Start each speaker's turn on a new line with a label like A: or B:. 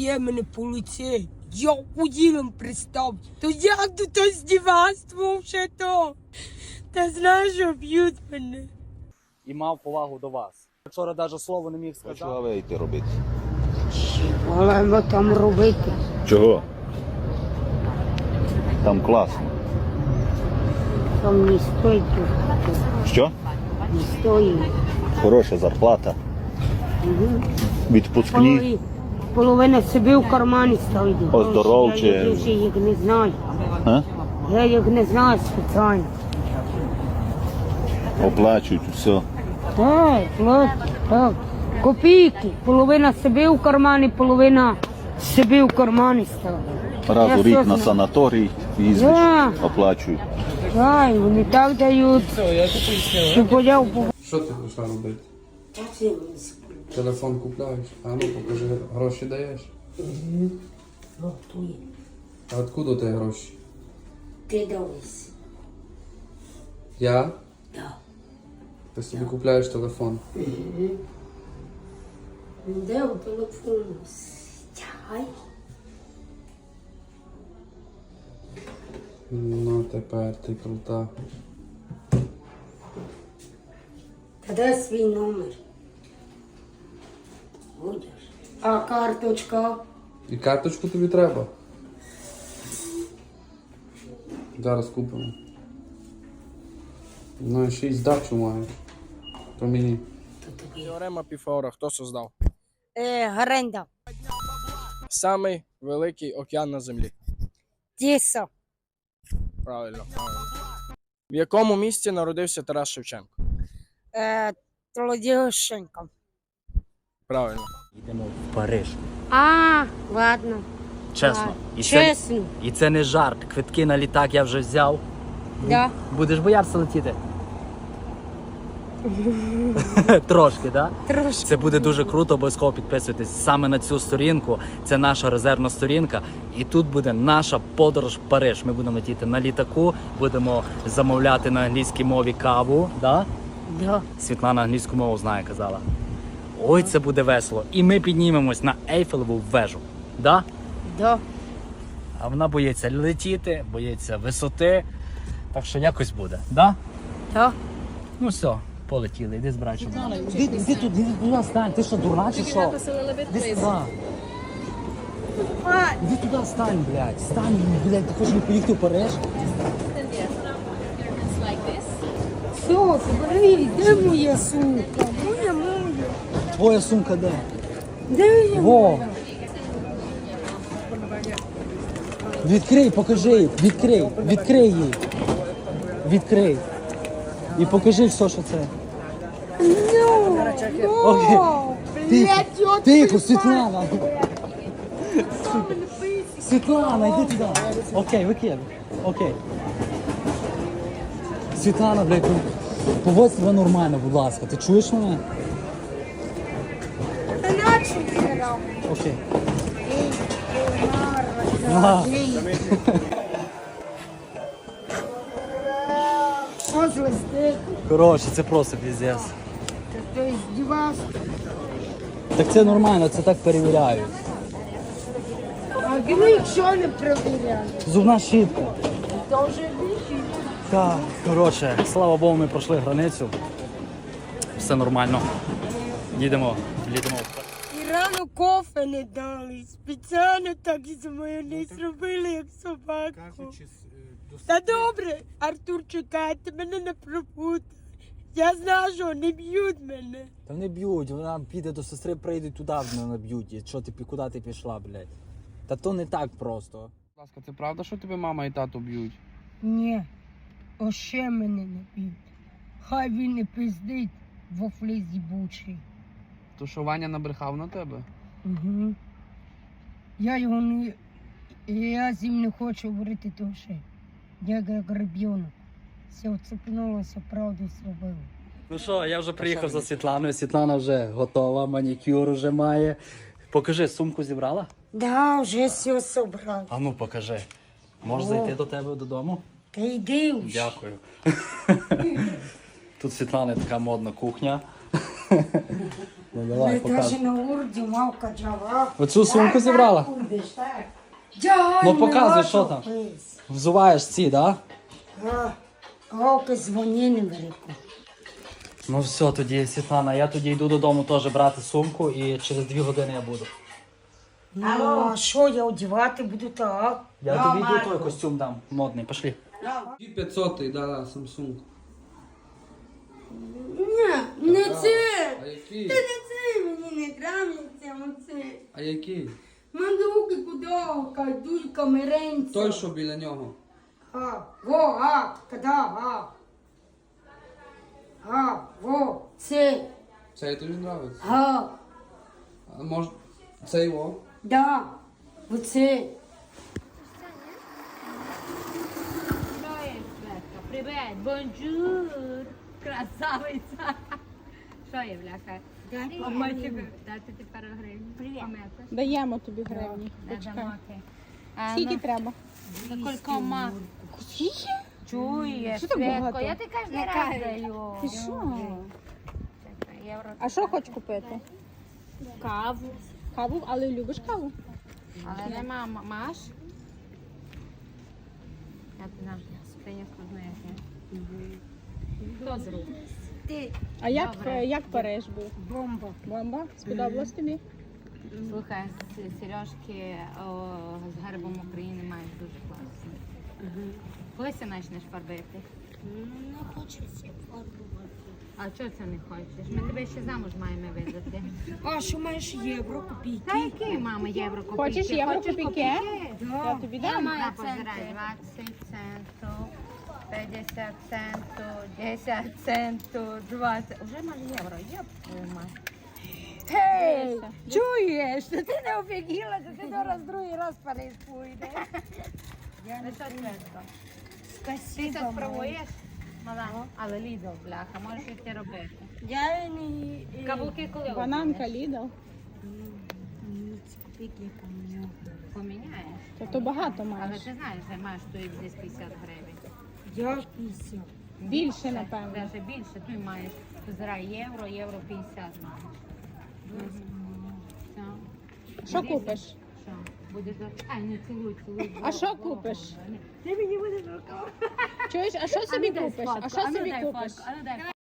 A: б'є мене по лиці. Я уділом пристав. То як до то здівацтво вже то? Та знаєш, що б'ють мене.
B: І мав повагу до вас. Вчора навіть слово не міг сказати.
C: Чого ви йти робити?
A: Але там робити.
C: Чого? Там класно.
A: Там не стоїть.
C: Що?
A: Не стоїть.
C: Хороша зарплата. Відпускні.
A: Половина собі в кармані ставить.
C: Оздоровче.
A: Я їх не знаю.
C: А?
A: Я їх не знаю спеціально.
C: Оплачують все.
A: Так. Копійки. Половина собі в кармані, половина собі в кармані ставить.
C: Раз у рік на
A: знаю.
C: санаторій їздиш,
A: Да.
C: оплачують.
A: Так, вони так дають. Що подяв.
D: Що ти хочеш робити? Телефон купляєш? А ну покажи, гроші даєш? А откуда у тебе гроші?
A: Ти дивись.
D: Я?
A: Так.
D: Ти собі купляєш телефон.
A: Де у телефону? Стягай.
D: Ну тепер ти крута.
A: Та дай свій номер. Будеш. А карточка?
D: І карточку тобі треба. Зараз купимо. Ну і ще й здачу маєш. То мені.
E: Теорема Піфагора хто создав?
A: Гаренда.
E: Самий великий океан на землі.
A: Тіса.
E: Правильно. В якому місті народився Тарас Шевченко?
A: Толодіщенко.
E: Правильно.
B: Йдемо в Париж.
A: Ладно.
B: Чесно.
A: Чесно.
B: І це не жарт. Квитки на літак я вже взяв.
A: Да.
B: Будеш боятися летіти? Трошки, так? Да?
A: Трошки.
B: Це буде дуже круто, обов'язково підписуйтесь саме на цю сторінку. Це наша резервна сторінка. І тут буде наша подорож в Париж. Ми будемо летіти на літаку, будемо замовляти на англійській мові каву. Да?
A: Да.
B: Світлана англійську мову знає, казала. Ой, це буде весело. І ми піднімемось на Ейфелеву вежу. Да?
A: Да.
B: А вона боїться летіти, боїться висоти. Так що якось буде. Да?
A: Да.
B: Ну все, полетіли. Іди з братчом. Іди тут, іди туди стань. Ти що, дурна чи що? Іди сюди. Іди туди стань, блядь. Стань, блядь, ти хочеш поїхати в Париж?
A: Все, забери, де моя сумка? Моя.
B: Твоя сумка де?
A: Де моя?
B: Во! Відкрий, покажи їй. Відкрий їй. Відкрий. І покажи все, що це. Окей. Тихо, Світлана. Світлана, йди туди. Окей, викидай. Окей. Світлана, блядь, поводь себе нормально, будь ласка. Ти чуєш мене? Окей. Ага.
A: Що злисти?
B: Коротше, це просто піздець.
A: Ти здівався?
B: Так це нормально, це так перевіряють.
A: А ми якщо не перевіряли?
B: Зубна щітка.
A: То вже більше.
B: Так, коротше, слава Богу, ми пройшли границю. Все нормально. Їдемо.
A: І рано кофе не дали. Спеціально так і за мною не зробили, як собаку. Та добре, Артур, чекайте, мене не пропутай. Я знаю, що не б'ють мене.
B: Та не б'ють, вона піде до сестри, прийде туди, мене б'ють. І що ти, куди ти пішла, блядь? Та то не так просто.
D: Будь ласка, це правда, що тебе мама і тато б'ють?
A: Ні, още мене не б'ють. Хай він не пиздить во флизі бучий.
D: То що Ваня набрехав на тебе?
A: Угу. Я його не... Я з ним не хочу говорити дуже. Я як ребенок. Все вцепнулося, правду зробив.
B: Ну що, я вже приїхав за Світланою. Світлана вже готова, манікюр вже має. Покажи, сумку зібрала?
A: Да, вже все собрав.
B: А ну покажи. Можеш зайти до тебе додому?
A: Та йди вже.
B: Дякую. Тут Світлана така модна кухня. Ну давай, показуй.
A: на урді мавка джава.
B: Оцю сумку зібрала? Ну показуй, що там. Взуваєш ці, да?
A: Галка дзвони не велику.
B: Ну все, тоді, Світлана, я тоді йду додому теж брати сумку і через 2 години я буду.
A: Ну, а що я одягати буду так?
B: Я тобі йду той костюм дам, модний, пошли.
D: 500, да, Samsung.
A: Ні, не це.
D: А який?
A: Та не це мені не нравиться, оце.
D: А який?
A: Мандуки кудовка, дулька, меренця.
D: Той, що біля нього.
A: Во, це,
D: Цей тобі подобається?
A: га,
D: А може, цей о?
A: да, оце.
F: Привет, бонжур, красавиця. Що є, бляха? Дати ти пару гривень. Привіт.
G: Даємо тобі гривні. Почекай. Скільки треба?
F: Кількома. Чуєш,
G: Що так
F: Светко,
G: багато?
F: я ти кожен раз даю.
G: Ти що?
F: Чекай, євро.
G: А що хочеш купити? Каву. Каву? Але любиш каву?
F: Але нема, маєш? Я б на принесу знаєш. Хто зробив? Ти.
G: А
F: Добре.
G: як Париж був?
A: Бомба.
G: Бомба? Сподобалось тобі?
F: Слухай, сережки з гербом України мають дуже класні. Коли ти почнеш фарбити?
A: Не хочеться фарбувати.
F: А чого це не хочеш? Ми тебе ще замуж маємо видати.
A: А що маєш євро копійки?
F: Та які, мама, євро копійки?
G: Хочеш євро копійки?
F: Да.
G: Я тобі
F: Я
G: дам.
F: маю позирай 20 центів, 50 центів, 10 центів, 20. Уже маю євро, єп, твою мать. Гей, чуєш, що ти не офігіла, що ти зараз другий раз в Париж поїдеш? Ну що, Светко? Ти це спробуєш? Мала, але Лідл, бляха, можеш йти робити.
A: Я не...
F: Каблуки коли
G: Бананка,
F: обміниш?
G: Лідл.
A: Копійки поміняв.
F: Поміняєш.
G: То багато
F: Але
G: маєш.
F: ти знаєш, що маєш тут десь 50 гривень.
A: Я 50.
G: Більше, напевно.
F: Навіть більше, ти маєш. Позирай євро, євро 50 маєш. Все.
G: Що
F: Дивися.
G: купиш?
F: Що? Будеш до... Ай, не цілуй, цілуй.
G: А що купиш?
F: Ти мені будеш рукав.
G: Чуєш, а що собі купиш? А що собі купиш?
F: А ну дай